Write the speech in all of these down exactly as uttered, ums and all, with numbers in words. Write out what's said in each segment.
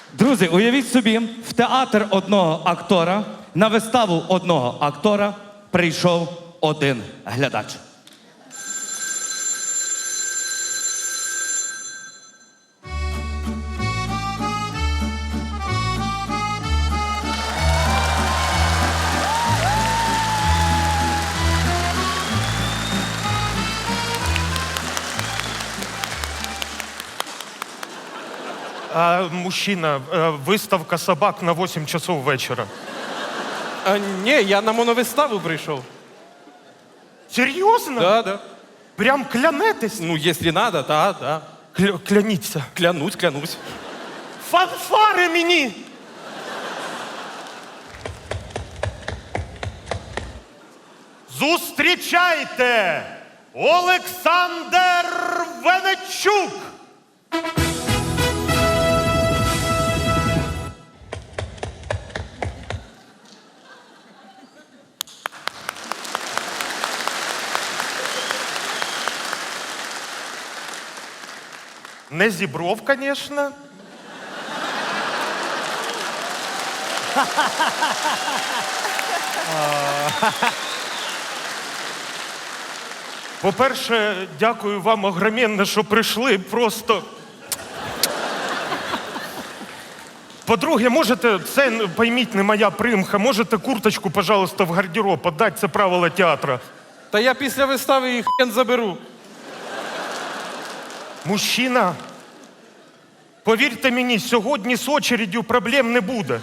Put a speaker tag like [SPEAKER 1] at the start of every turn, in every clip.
[SPEAKER 1] Друзі, уявіть собі, в театр одного актора, на виставу одного актора прийшов один глядач.
[SPEAKER 2] А, мужчина, э, выставка собак на восемь часов вечера.
[SPEAKER 3] А, ні, я на моновиставу прийшов.
[SPEAKER 2] Серьезно?
[SPEAKER 3] Да, да.
[SPEAKER 2] Прям клянетесь?
[SPEAKER 3] Ну, якщо надо, да, да.
[SPEAKER 2] Кля- кляніться.
[SPEAKER 3] Клянусь, клянусь.
[SPEAKER 2] Фанфари мені! Зустрічайте! Олександр Венечук! Не Зібров, конечно. По-перше, дякую вам огроменно, що прийшли. Просто. По-друге, можете, це, пойміть, не моя примха, можете курточку, пожалуйста, в гардероб отдати, це правила театру.
[SPEAKER 3] Та я після вистави їх хрен заберу.
[SPEAKER 2] Мужчина, повірте мені, сьогодні з очередю проблем не буде.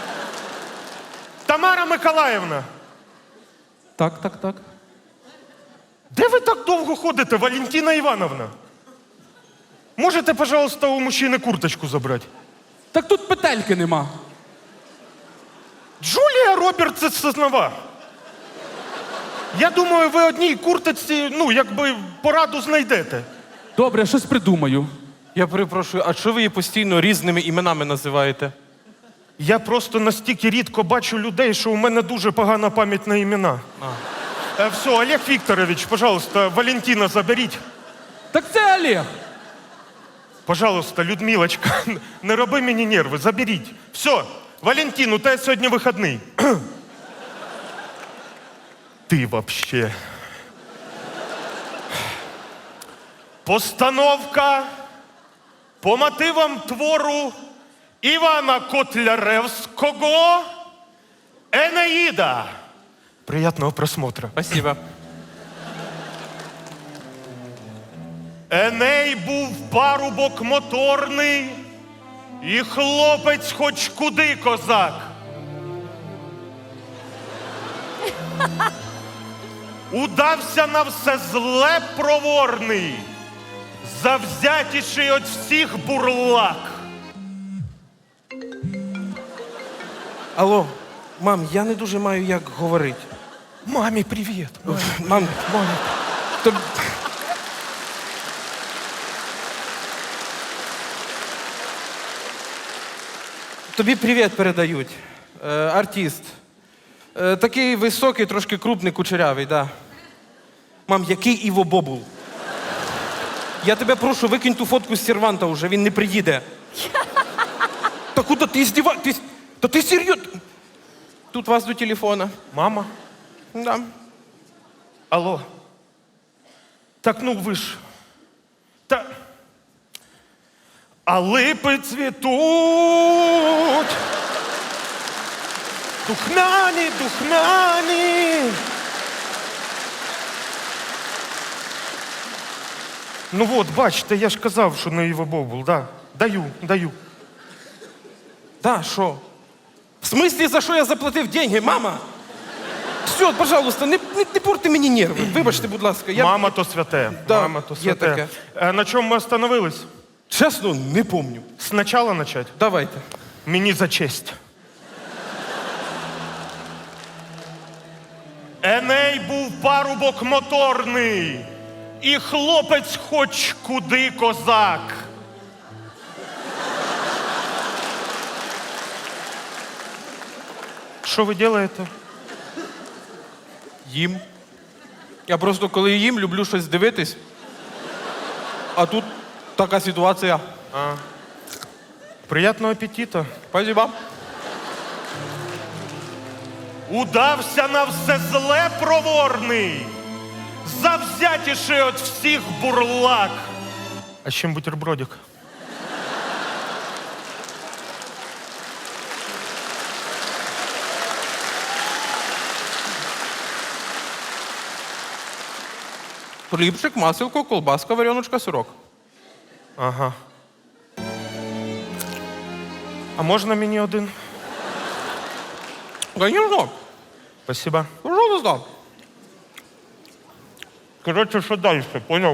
[SPEAKER 2] Тамара Миколаївна,
[SPEAKER 3] Так, так, так.
[SPEAKER 2] де ви так довго ходите, Валентина Івановна? Можете, пожалуйста, у мужчини курточку забрати?
[SPEAKER 3] Так тут петельки нема.
[SPEAKER 2] Джулія Робертс Сознова. Я думаю, ви одній курточці, ну, якби пораду знайдете.
[SPEAKER 3] Добре, щось придумаю. Я перепрошую, а чого ви її постійно різними іменами називаєте?
[SPEAKER 2] Я просто настільки рідко бачу людей, що у мене дуже погана пам'ять на імена. Е, все, Олег Вікторович, пожалуйста, Валентина заберіть.
[SPEAKER 3] Так це Олег.
[SPEAKER 2] Пожалуйста, Людмилочка, не роби мені нерви, заберіть. Все, Валентин, у тебе сьогодні вихідний. Ти вообще. Постановка по мотивам твору Івана Котляревського «Енеїда». Приятного просмотра.
[SPEAKER 3] Спасибо.
[SPEAKER 2] Еней був парубок моторний, і хлопець хоч куди козак. Удався на все зле проворний, завзятіший от всіх бурлак.
[SPEAKER 3] Алло, мам, я не дуже маю як говорити.
[SPEAKER 2] Мамі, привіт.
[SPEAKER 3] Мам, мам, то... Тобі привіт передають. Е, артист. Е, такий високий, трошки крупний, кучерявий, да. Мам, який Іво Бобул? Я тебе прошу, викинь ту фотку з серванта вже, він не приїде. Та куди ти здіва... Ти... Та ти серйозно? Тут вас до телефона.
[SPEAKER 2] Мама?
[SPEAKER 3] Да.
[SPEAKER 2] Алло. Так ну ви ж. Та. А липи цвітуть. Духмяні, духмяні. Ну от, бачите, я ж казав, що не Іво Бобул, да. Даю, даю.
[SPEAKER 3] Да, що? В смислі, за що я заплатив деньги, мама? Все, пожалуйста, не, не, не порти мені нерви. Вибачте, будь ласка. Я...
[SPEAKER 2] Мама то святе.
[SPEAKER 3] Да,
[SPEAKER 2] Мама то
[SPEAKER 3] є
[SPEAKER 2] святе.
[SPEAKER 3] таке.
[SPEAKER 2] Е, на чому ми остановились?
[SPEAKER 3] Чесно, не помню.
[SPEAKER 2] Спочатку почати?
[SPEAKER 3] Давайте.
[SPEAKER 2] Мені за честь. Еней був парубок моторний, і хлопець хоч куди козак. Що ви робите?
[SPEAKER 3] Їм. Я просто, коли їм, люблю щось дивитись. А тут така ситуація.
[SPEAKER 2] А. Приятного апетита.
[SPEAKER 3] Спасибо.
[SPEAKER 2] Удався на все зле проворний, завзятіший от всіх бурлак. А з чим бутербродик?
[SPEAKER 3] Хлібчик, маселко, колбаска, вареночка, сирок.
[SPEAKER 2] Ага. А можна мені один?
[SPEAKER 3] Конечно.
[SPEAKER 2] Спасибо.
[SPEAKER 3] Пожалуйста.
[SPEAKER 2] Короче, що далі, понял?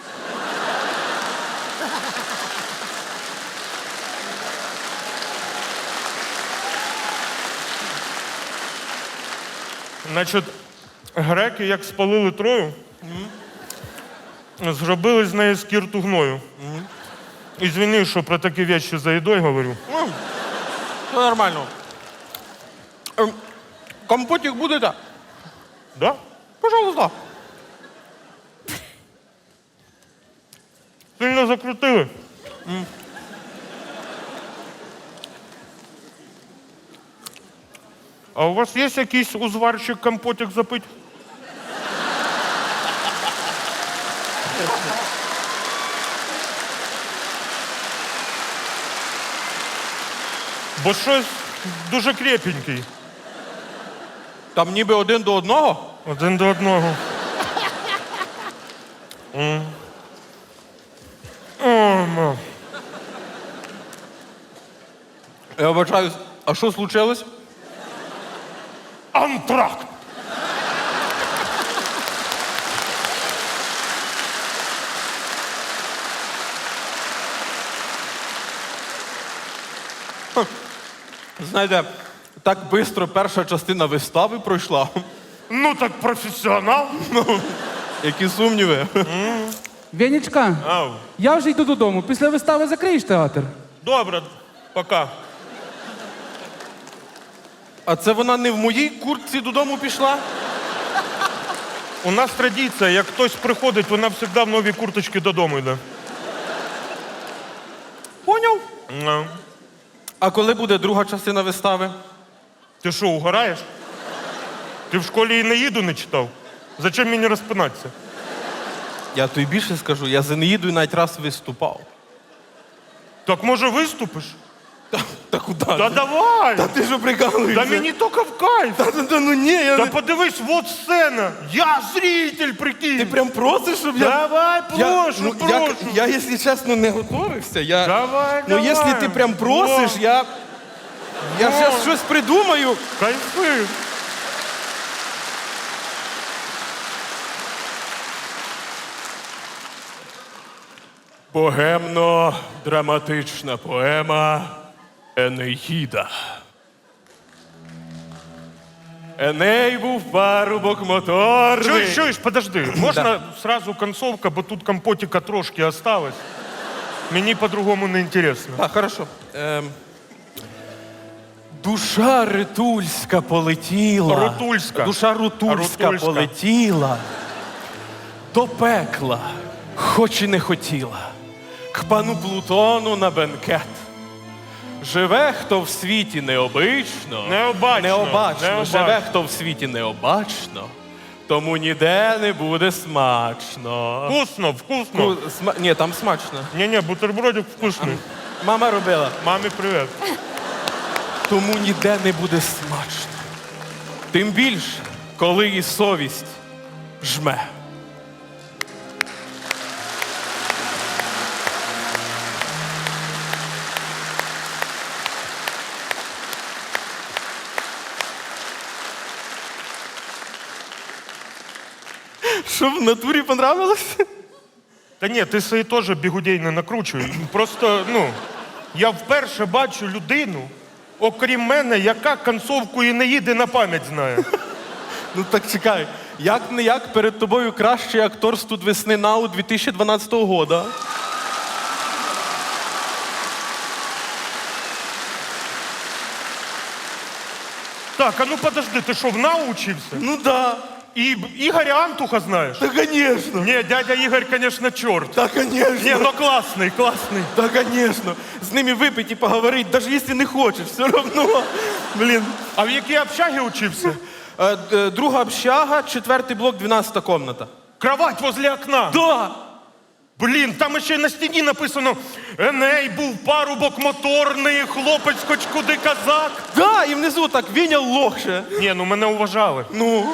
[SPEAKER 2] Значить, греки, як спалили Трою, зробили з неї скірту гною. Ізвини, що про такі речі за їдою говорю.
[SPEAKER 3] Ну, все нормально. Ем, Компотик будете?
[SPEAKER 2] Да?
[SPEAKER 3] Пожалуйста.
[SPEAKER 2] Сильно закрутили. А у вас є якийсь узварчик компотик запить? Бо щось дуже крепенький.
[SPEAKER 3] Там ніби один до одного.
[SPEAKER 2] Один до одного. М. О, ма.
[SPEAKER 3] Я вибачаюсь, а що случилось?
[SPEAKER 2] Антракт!
[SPEAKER 3] Знаєте, так швидко перша частина вистави пройшла.
[SPEAKER 2] Ну так професіонал.
[SPEAKER 3] Які сумніви.
[SPEAKER 4] Венечка,
[SPEAKER 2] Ау.
[SPEAKER 4] я вже йду додому. Після вистави закриєш театр.
[SPEAKER 2] Добре, пока.
[SPEAKER 3] А це вона не в моїй куртці додому пішла?
[SPEAKER 2] У нас традиція, як хтось приходить, вона завжди в новій курточці додому йде.
[SPEAKER 3] Поняв.
[SPEAKER 2] Ну.
[SPEAKER 3] А коли буде друга частина вистави?
[SPEAKER 2] Ти що, угораєш? Ти в школі і «Енеїду» не читав? Зачем мені розпинатися?
[SPEAKER 3] Я тобі більше скажу, я з Енеїдою навіть раз виступав.
[SPEAKER 2] Так може виступиш?
[SPEAKER 3] Та, та куди?
[SPEAKER 2] Та
[SPEAKER 3] Та,
[SPEAKER 2] давай!
[SPEAKER 3] та ти що прикалуєшся?
[SPEAKER 2] Та мені тільки в кайф!
[SPEAKER 3] Та, та, та ну ні, я
[SPEAKER 2] Та
[SPEAKER 3] не...
[SPEAKER 2] подивись, вот сцена! Я зритель, прикинь!
[SPEAKER 3] Ти прям просиш, щоб я...
[SPEAKER 2] Давай,
[SPEAKER 3] Я,
[SPEAKER 2] прошу,
[SPEAKER 3] ну,
[SPEAKER 2] прошу!
[SPEAKER 3] я, я, якщо чесно, не готовився. Я...
[SPEAKER 2] Давай,
[SPEAKER 3] Ну,
[SPEAKER 2] давай!
[SPEAKER 3] якщо ти прям просиш,
[SPEAKER 2] Во.
[SPEAKER 3] я... Я
[SPEAKER 2] Во.
[SPEAKER 3] зараз щось придумаю.
[SPEAKER 2] Кайфи!
[SPEAKER 3] Богемно-драматична поема Енеїда. Еней був парубок моторний.
[SPEAKER 2] Чуєш, чуєш, подожди. Можна сразу концовка, бо тут компотика трошки осталось. Мені по-другому не інтересно.
[SPEAKER 3] Так, хорошо. Ем... Душа ритульська полетіла.
[SPEAKER 2] Рутульська.
[SPEAKER 3] Душа рутульська,
[SPEAKER 2] Рутульська.
[SPEAKER 3] полетіла. До пекла, хоч і не хотіла. К пану Плутону на бенкет. Живе, хто в світі необично.
[SPEAKER 2] Необачно,
[SPEAKER 3] Необачно.
[SPEAKER 2] необачно.
[SPEAKER 3] Живе, хто в світі необачно. Тому ніде не буде смачно.
[SPEAKER 2] Вкусно, вкусно.
[SPEAKER 3] Ну, сма... Ні, там смачно.
[SPEAKER 2] Ні-ні, бутербродик вкусний.
[SPEAKER 3] Мама робила.
[SPEAKER 2] Мамі привіт.
[SPEAKER 3] Тому ніде не буде смачно. Тим більше, коли і совість жме. Що, в натурі понравилось?
[SPEAKER 2] Та ні, ти свої теж бігудей не накручуй. Просто, ну, я вперше бачу людину, окрім мене, яка концовку «Енеїди» на пам'ять знає.
[SPEAKER 3] Ну так чекай, як не як перед тобою кращий актор студ весни НАУ дві тисячі дванадцятого года.
[SPEAKER 2] Так, а ну подожди, ти що, в НАУ учився?
[SPEAKER 3] Ну да.
[SPEAKER 2] І Ігоря Антуха знаєш?
[SPEAKER 3] Та, звісно.
[SPEAKER 2] Ні, дядя Ігор, звісно, чорт.
[SPEAKER 3] Та, звісно.
[SPEAKER 2] Ні, ну класний, класний.
[SPEAKER 3] Та, звісно. З ними випить і поговорити, навіть якщо не хочеш, все одно. Блін.
[SPEAKER 2] А в якій общагі учився?
[SPEAKER 3] Е, д- Друга общага, четвертий блок, дванадцята комната.
[SPEAKER 2] Кровать возле окна.
[SPEAKER 3] Да.
[SPEAKER 2] Блін, там ще й на стіні написано Еней був парубок моторний, хлопець хоч куди казак.
[SPEAKER 3] Да, і внизу так, Віня лохше.
[SPEAKER 2] Ні, ну мене уважали.
[SPEAKER 3] Ну.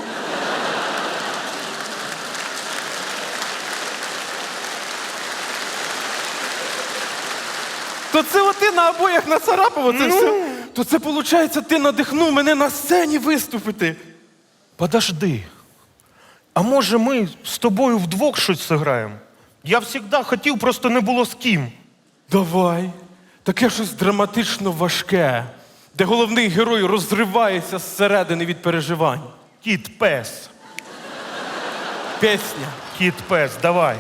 [SPEAKER 3] То це от ти на обоях нацарапав, оце
[SPEAKER 2] Ну.
[SPEAKER 3] все. То це, виходить, ти надихнув мене на сцені виступити.
[SPEAKER 2] Подожди. А може ми з тобою вдвох щось зіграємо? Я завжди хотів, просто не було з ким.
[SPEAKER 3] Давай. Таке щось драматично важке, де головний герой розривається зсередини від переживань.
[SPEAKER 2] Кіт-пес.
[SPEAKER 3] Пісня.
[SPEAKER 2] Кіт-пес, давай.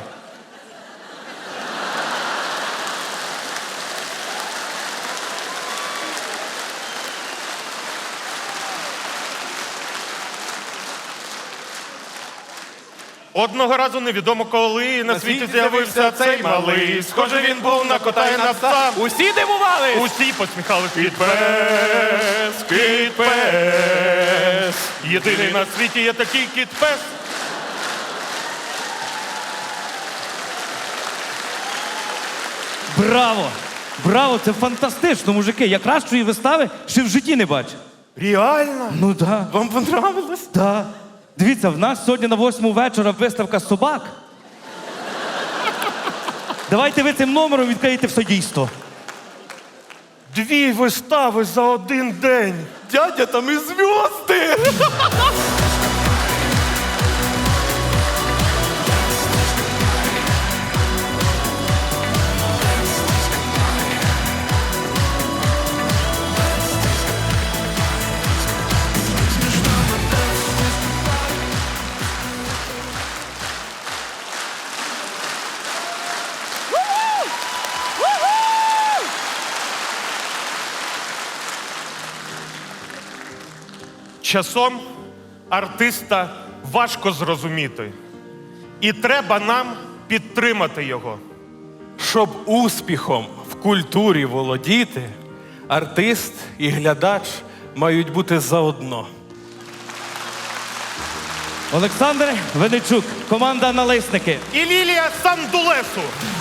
[SPEAKER 2] Одного разу невідомо коли на світі з'явився цей малий. Схоже, він був на кота і на пса.
[SPEAKER 3] Усі дивувались?
[SPEAKER 2] Усі посміхали кіт-пес, кіт-пес. Єдиний на світі є такий кіт-пес.
[SPEAKER 1] Браво! Браво, це фантастично, мужики. Я кращої вистави ще в житті не бачив.
[SPEAKER 2] Реально?
[SPEAKER 1] Ну да.
[SPEAKER 3] Вам понравилось?
[SPEAKER 1] Да. Дивіться, в нас сьогодні на восьму вечора виставка собак. Давайте ви цим номером відкриєте все дійство.
[SPEAKER 2] Дві вистави за один день.
[SPEAKER 3] Дядя, там і зв'язки!
[SPEAKER 2] Часом артиста важко зрозуміти. І треба нам підтримати його.
[SPEAKER 3] Щоб успіхом в культурі володіти, артист і глядач мають бути заодно.
[SPEAKER 1] Олександр Венечук, команда Налисники.
[SPEAKER 2] І Лілія Сандулесу.